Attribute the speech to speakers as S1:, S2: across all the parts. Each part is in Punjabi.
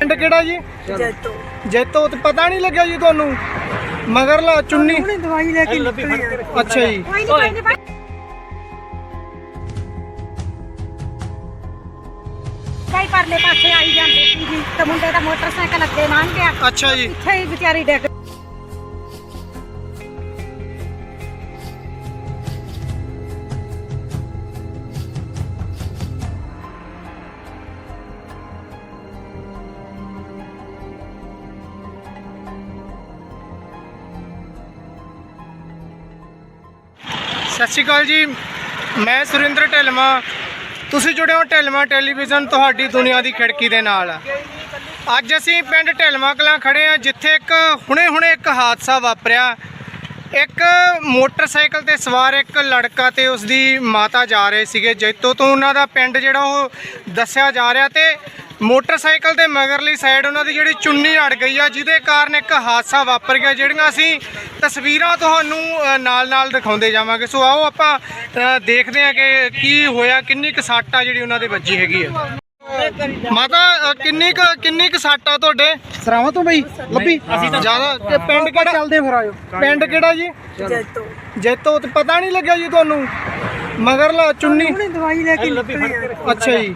S1: ਪਿੰਡ ਕਿਹੜਾ ਜੀ?
S2: ਜੈਤੋ।
S1: ਜੈਤੋ। ਤੇ ਪਤਾ ਨਹੀਂ ਲੱਗਿਆ ਜੀ ਤੁਹਾਨੂੰ? ਮਗਰਲਾ ਚੁੰਨੀ
S2: ਦਵਾਈ ਲੈ ਕੇ ਨਿਕਲੀ।
S1: ਅੱਛਾ ਜੀ।
S2: ਕਈ ਪਰਲੇ ਪਾਸੇ ਆਈ ਜਾਂਦੇ ਸੀ ਜੀ ਤੇ ਮੁੰਡੇ ਦਾ ਮੋਟਰਸਾਈਕਲ ਅੱਗੇ ਲੰਘ ਗਿਆ।
S1: ਅੱਛਾ ਜੀ।
S2: ਇੱਥੇ ਹੀ ਵਿਚਾਰੀ ਡਿੱਗ।
S1: ਸਤਿ ਸ਼੍ਰੀ ਅਕਾਲ ਜੀ, ਮੈਂ ਸੁਰਿੰਦਰ ਢਿਲਮਾ। ਤੁਸੀਂ ਜੁੜੇ ਹੋ ਢਿਲਮਾ ਟੈਲੀਵਿਜ਼ਨ, ਤੁਹਾਡੀ ਦੁਨੀਆ ਦੀ ਖਿੜਕੀ ਦੇ ਨਾਲ। ਅੱਜ ਅਸੀਂ ਪਿੰਡ ਢਿਲਮਾ ਕਲਾਂ ਖੜੇ ਹਾਂ, ਜਿੱਥੇ ਇੱਕ ਹੁਣੇ ਇੱਕ ਹਾਦਸਾ ਵਾਪਰਿਆ। ਇੱਕ ਮੋਟਰਸਾਈਕਲ ਤੇ ਸਵਾਰ ਇੱਕ ਲੜਕਾ ਤੇ ਉਸਦੀ ਮਾਤਾ ਜਾ ਰਹੇ ਸੀਗੇ ਜੈਤੋ ਤੋਂ। ਉਹਨਾਂ ਦਾ ਪਿੰਡ ਜਿਹੜਾ ਉਹ ਦੱਸਿਆ ਜਾ ਰਿਹਾ, ਤੇ ਮੋਟਰਸਾਈਕਲ ਦੇ ਮਗਰਲੀ ਸਾਈਡ ਉਹਨਾਂ ਦੀ ਜਿਹੜੀ ਚੁੰਨੀ ਅੜ ਗਈ ਆ, ਜਿਹਦੇ ਕਾਰਨ ਇੱਕ ਹਾਦਸਾ ਵਾਪਰ ਗਿਆ, ਜਿਹੜੀਆਂ ਅਸੀਂ ਤਸਵੀਰਾਂ ਤੁਹਾਨੂੰ ਨਾਲ ਦਿਖਾਉਂਦੇ ਜਾਵਾਂਗੇ। ਸੋ ਆਓ ਆਪਾਂ ਦੇਖਦੇ ਹਾਂ ਕਿ ਕੀ ਹੋਇਆ, ਕਿੰਨੀ ਕੁ ਸੱਟ ਆ ਜਿਹੜੀ ਉਹਨਾਂ ਦੇ ਵੱਜੀ ਹੈਗੀ ਆ। ਮਾਤਾ ਕਿੰਨੀ ਕੁ ਸੱਟ ਆ ਤੁਹਾਡੇ?
S3: ਸਰਾਵਾਂ ਤੋਂ ਬਈ ਲੱਭੀ
S1: ਜ਼ਿਆਦਾ। ਤੇ ਪਿੰਡ ਕਿਹੜਾ?
S3: ਚੱਲਦੇ ਫਿਰ ਆਇਓ।
S1: ਪਿੰਡ ਕਿਹੜਾ ਜੀ?
S2: ਜੈਤੋ।
S1: ਜੈਤੋ। ਤੇ ਪਤਾ ਨਹੀਂ ਲੱਗਿਆ ਜੀ ਤੁਹਾਨੂੰ? ਮਗਰਲਾ ਚੁੰਨੀ
S2: ਦਵਾਈ ਲੈ ਕੇ ਨਿਕਲੀ।
S1: ਅੱਛਾ ਜੀ।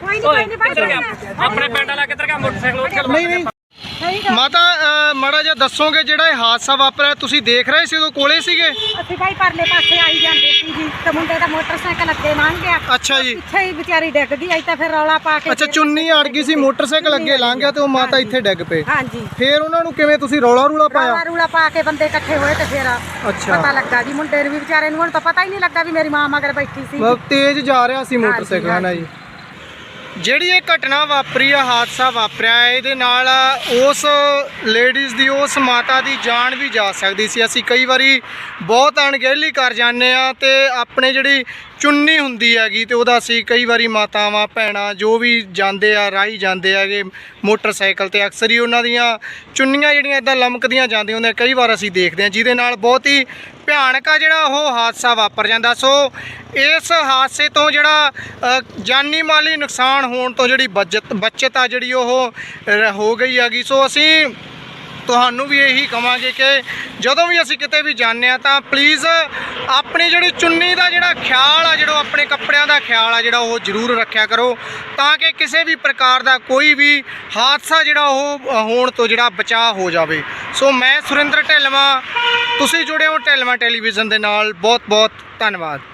S4: ਆਪਣੇ ਪਿੰਡ ਵਾਲਾ ਕਿੱਧਰ ਗਿਆ ਮੋਟਰਸਾਈਕਲ?
S1: ਨਹੀਂ ਮਾਤਾ, ਮਾੜਾ ਜਿਹਾ ਦੱਸੋਗੇ ਜਿਹੜਾ ਇਹ ਹਾਦਸਾ ਵਾਪਰਿਆ, ਤੁਸੀਂ ਦੇਖ ਰਹੇ ਸੀ, ਉਦੋਂ ਕੋਲੇ ਸੀਗੇ?
S2: ਅਸੀਂ ਕਈ ਪਰਲੇ ਪਾਸੇ ਆਈ ਜਾਂਦੇ ਸੀ ਜੀ ਤੇ ਮੁੰਡੇ ਦਾ ਮੋਟਰਸਾਈਕਲ ਅੱਗੇ ਲੰਘ ਗਿਆ।
S1: ਅੱਛਾ ਜੀ।
S2: ਇੱਥੇ ਹੀ ਵਿਚਾਰੀ ਡਿੱਗ ਗਈ। ਅਸੀਂ ਤਾਂ ਫਿਰ ਰੌਲਾ ਪਾ ਕੇ।
S1: ਅੱਛਾ, ਚੁੰਨੀ ਅੜ ਗਈ ਸੀ, ਮੋਟਰਸਾਈਕਲ ਅੱਗੇ ਲੰਘ ਗਿਆ ਤੇ ਉਹ ਮਾਤਾ ਇੱਥੇ ਡਿੱਗ ਪਏ।
S2: ਹਾਂਜੀ।
S1: ਫਿਰ ਉਹਨਾਂ ਨੂੰ ਕਿਵੇਂ ਤੁਸੀਂ ਰੌਲਾ ਪਾਇਆ?
S2: ਰੌਲਾ ਪਾ ਕੇ ਬੰਦੇ ਇਕੱਠੇ ਹੋਏ ਤੇ ਫਿਰ
S1: ਅੱਛਾ।
S2: ਪਤਾ ਲੱਗਾ ਜੀ ਮੁੰਡੇ ਨੂੰ ਵੀ, ਵਿਚਾਰੇ ਨੂੰ ਹੁਣ ਤਾਂ ਪਤਾ ਹੀ ਨਹੀਂ ਲੱਗਾ ਵੀ ਮੇਰੀ ਮਾਂ ਮਗਰ ਬੈਠੀ ਸੀ।
S1: ਬਹੁਤ ਤੇਜ਼ ਜਾ ਰਿਹਾ ਸੀ ਮੋਟਰਸਾਈਕਲ ਨਾਲ ਜੀ। ਜਿਹੜੀ ਇਹ ਘਟਨਾ ਵਾਪਰੀ ਆ, ਹਾਦਸਾ ਵਾਪਰਿਆ, ਇਹਦੇ ਨਾਲ ਉਸ ਲੇਡੀਜ਼ ਦੀ, ਉਸ ਮਾਤਾ ਦੀ ਜਾਨ ਵੀ ਜਾ ਸਕਦੀ ਸੀ। ਅਸੀਂ ਕਈ ਵਾਰੀ ਬਹੁਤ ਅਣਗਹਿਲੀ ਕਰ ਜਾਂਦੇ ਆ ਤੇ ਆਪਣੇ ਜਿਹੜੀ ਚੁੰਨੀ ਹੁੰਦੀ ਹੈਗੀ ਤੇ ਉਹਦਾ ਅਸੀਂ ਕਈ ਵਾਰੀ ਮਾਤਾਵਾਂ ਭੈਣਾਂ ਜੋ ਵੀ ਜਾਂਦੇ ਆ, ਰਾਹੀ ਜਾਂਦੇ ਹੈਗੇ ਮੋਟਰਸਾਈਕਲ ਤੇ, ਅਕਸਰ ਹੀ ਉਹਨਾਂ ਦੀਆਂ ਚੁੰਨੀਆਂ ਜਿਹੜੀਆਂ ਇੱਦਾਂ ਲਮਕਦੀਆਂ ਜਾਂਦੀਆਂ ਹੁੰਦੀਆਂ, ਕਈ ਵਾਰ ਅਸੀਂ ਦੇਖਦੇ ਹਾਂ, ਜਿਹਦੇ ਨਾਲ ਬਹੁਤ ਹੀ ਭਿਆਨਕ ਆ ਜਿਹੜਾ ਉਹ ਹਾਦਸਾ ਵਾਪਰ ਜਾਂਦਾ। ਸੋ ਇਸ ਹਾਦਸੇ ਤੋਂ ਜਿਹੜਾ ਜਾਨੀ ਮਾਲੀ ਨੁਕਸਾਨ ਹੋਣ ਤੋਂ ਜਿਹੜੀ ਬਚਤ ਆ ਜਿਹੜੀ ਉਹ ਹੋ ਗਈ ਹੈਗੀ। ਸੋ ਅਸੀਂ ਤੁਹਾਨੂੰ ਵੀ ਇਹੀ ਕਹਾਂਗੇ ਕਿ ਜਦੋਂ ਵੀ ਅਸੀਂ ਕਿਤੇ ਵੀ ਜਾਂਦੇ ਆ ਤਾਂ ਪਲੀਜ਼ ਆਪਣੀ ਜਿਹੜੀ ਚੁੰਨੀ ਦਾ ਜਿਹੜਾ ਖਿਆਲ ਆ, ਜਿਹੜਾ ਆਪਣੇ ਕੱਪੜਿਆਂ ਦਾ ਖਿਆਲ ਆ, ਜਿਹੜਾ ਉਹ ਜ਼ਰੂਰ ਰੱਖਿਆ ਕਰੋ, ਤਾਂ ਕਿ ਕਿਸੇ ਵੀ ਪ੍ਰਕਾਰ ਦਾ ਕੋਈ ਵੀ ਹਾਦਸਾ ਜਿਹੜਾ ਉਹ ਹੋਣ ਤੋਂ ਜਿਹੜਾ ਬਚਾਅ ਹੋ ਜਾਵੇ। ਸੋ ਮੈਂ ਸੁਰਿੰਦਰ ਢਿਲਮਾ, ਤੁਸੀਂ ਜੁੜੇ ਹੋ ਢਿਲਮਾ ਟੈਲੀਵਿਜ਼ਨ ਦੇ ਨਾਲ। ਬਹੁਤ ਬਹੁਤ ਧੰਨਵਾਦ।